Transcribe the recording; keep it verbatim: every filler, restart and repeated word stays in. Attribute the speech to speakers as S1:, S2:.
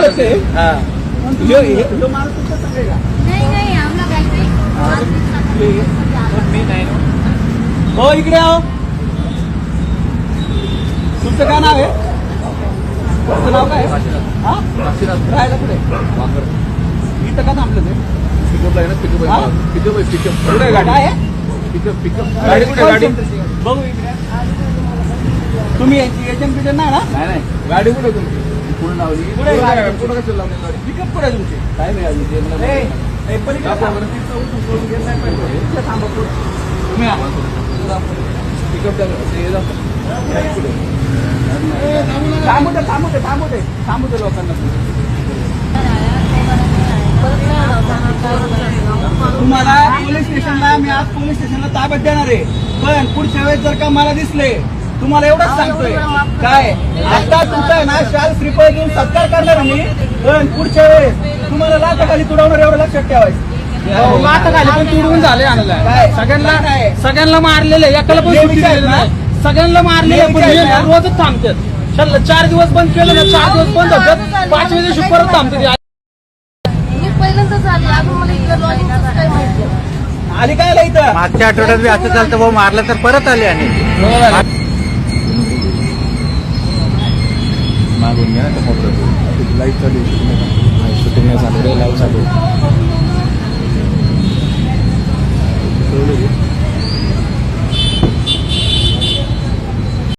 S1: ओळखते हा ह्यो ह्यो माणूस तुमचा सगळे का
S2: नहीं नहीं हम लोग ऐसे ही
S1: मी नाही हो इकडे आओ तुमचं काय नाव आहे तुमचं नाव काय हा राहायला कुठे इथं का थांबलं ते पिकअप आहे ना पिकअप आहे पिकअप आहे पिकअप कुठे गाडी आहे पिकअप पिकअप गाडी कुठे गाडी बघू इकडे तुम्ही एजंट बिजंट नाही ना नाही नाही गाडी कुठे तुमची पुढे लावली कुठे कुठे कसं लावली गाडी पिकअप कुठे तुमची काय नाही अजून थांबू दे थांबू दे थांबू दे थांबू दे लोकांना तुम्हाला पोलीस स्टेशनला मी आज पोलीस स्टेशनला ताब्यात देणार आहे पण पुढच्या वेळेस जर का मला दिसले तुम्हाला एवढंच सांगतोय काय आता तुमचा आहे ना शाल श्रीफळ देऊन सत्कार करणार मी पण पुढच्या वेळेस तुम्हाला लाथाखाली तुडवणार एवढं लक्षात ठेवायचं
S3: लाथाखाली पण तुडवून झाले
S1: काय
S3: सगळ्यांना
S1: काय
S3: सगळ्यांना मारलेले एकाला पण सुट्टी दिलेली नाही सगळ्यांना मारलेले पण हे रोजच थांबतात चार दिवस बंद केलं ना चार दिवस बंद होतात पाचव्या दिवशी परत थांबतात
S2: मी पहिल्यांदाच आली अजून मला इकडे लॉजिकच काही माहिती
S1: आली काय आला इथं
S4: मागच्या आठवड्यात बी असं चालतं भाऊ मारलं तर परत आले आणि
S5: मागून घ्या ना लाईव्ह चालू शूटिंग चालू लाईव्ह चालू